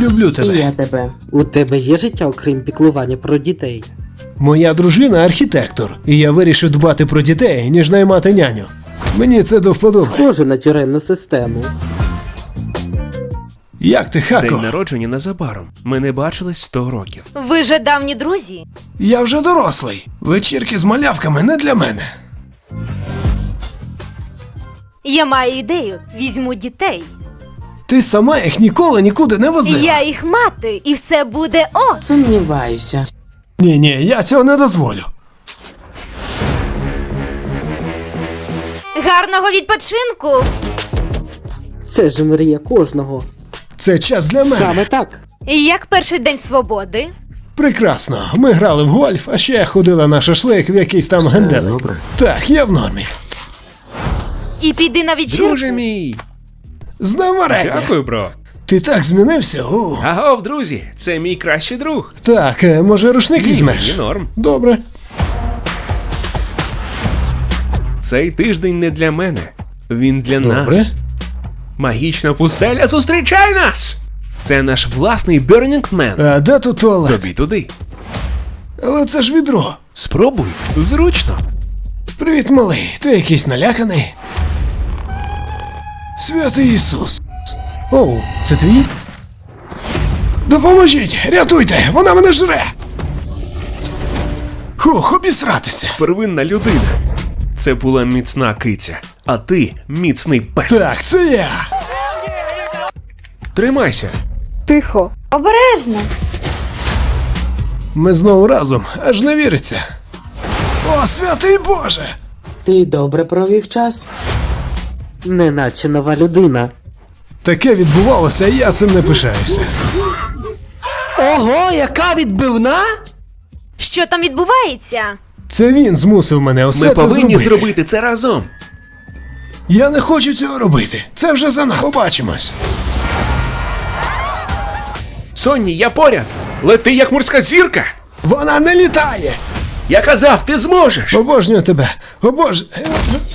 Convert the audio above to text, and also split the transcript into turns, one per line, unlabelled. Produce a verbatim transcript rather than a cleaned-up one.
Люблю тебе.
І я тебе. У тебе є життя, окрім піклування про дітей?
Моя дружина архітектор, і я вирішив дбати про дітей, ніж наймати няню. Мені це до вподоби.
Схоже на тюремну систему.
Як ти, Хако?
День народження незабаром. Ми не бачились сто років.
Ви же давні друзі.
Я вже дорослий. Вечірки з малявками не для мене.
Я маю ідею. Візьму дітей.
Ти сама їх ніколи нікуди не возила.
Я їх мати, і все буде о!
Сумніваюся.
Ні-ні, я цього не дозволю.
Гарного відпочинку!
Це ж мрія кожного.
Це час для мене.
Саме так.
Як перший день свободи?
Прекрасно. Ми грали в гольф, а ще ходила на шашлик в якийсь там генделик.
добре.
Так, я в нормі.
І піди на вечірку.
Друже мій!
З днем варення.
Дякую, бро.
Ти так змінився? О.
Агов, друзі, це мій кращий друг.
Так, е, може рушник
Ні,
візьмеш?
мені норм.
Добре.
Цей тиждень не для мене. Він для
Добре.
нас. Магічна пустеля зустрічай нас! Це наш власний Burning Man.
А де тут туалет?
Тобі туди.
Але це ж відро.
Спробуй. Зручно.
Привіт, малий. Ти якийсь наляканий? Святий Ісус. Оу, це твій? Допоможіть! Рятуйте! Вона мене жре! Хух, обісратися!
Первинна людина. Це була міцна киця, а ти міцний пес.
Так, це я!
Тримайся.
Тихо. Обережно.
Ми знову разом, аж не віриться. О, святий Боже!
Ти добре провів час? Неначе нова людина.
Таке відбувалося, і я цим не пишаюся.
Ого, яка відбивна!
Що там відбувається?
Це він змусив мене усе
Ми
це
повинні
зробити.
зробити це разом.
Я не хочу цього робити. Це вже занадто. Побачимось.
Сонні, я поряд. Лети як морська зірка.
Вона не літає!
Я казав, ти зможеш.
Обожнюю тебе! Обож...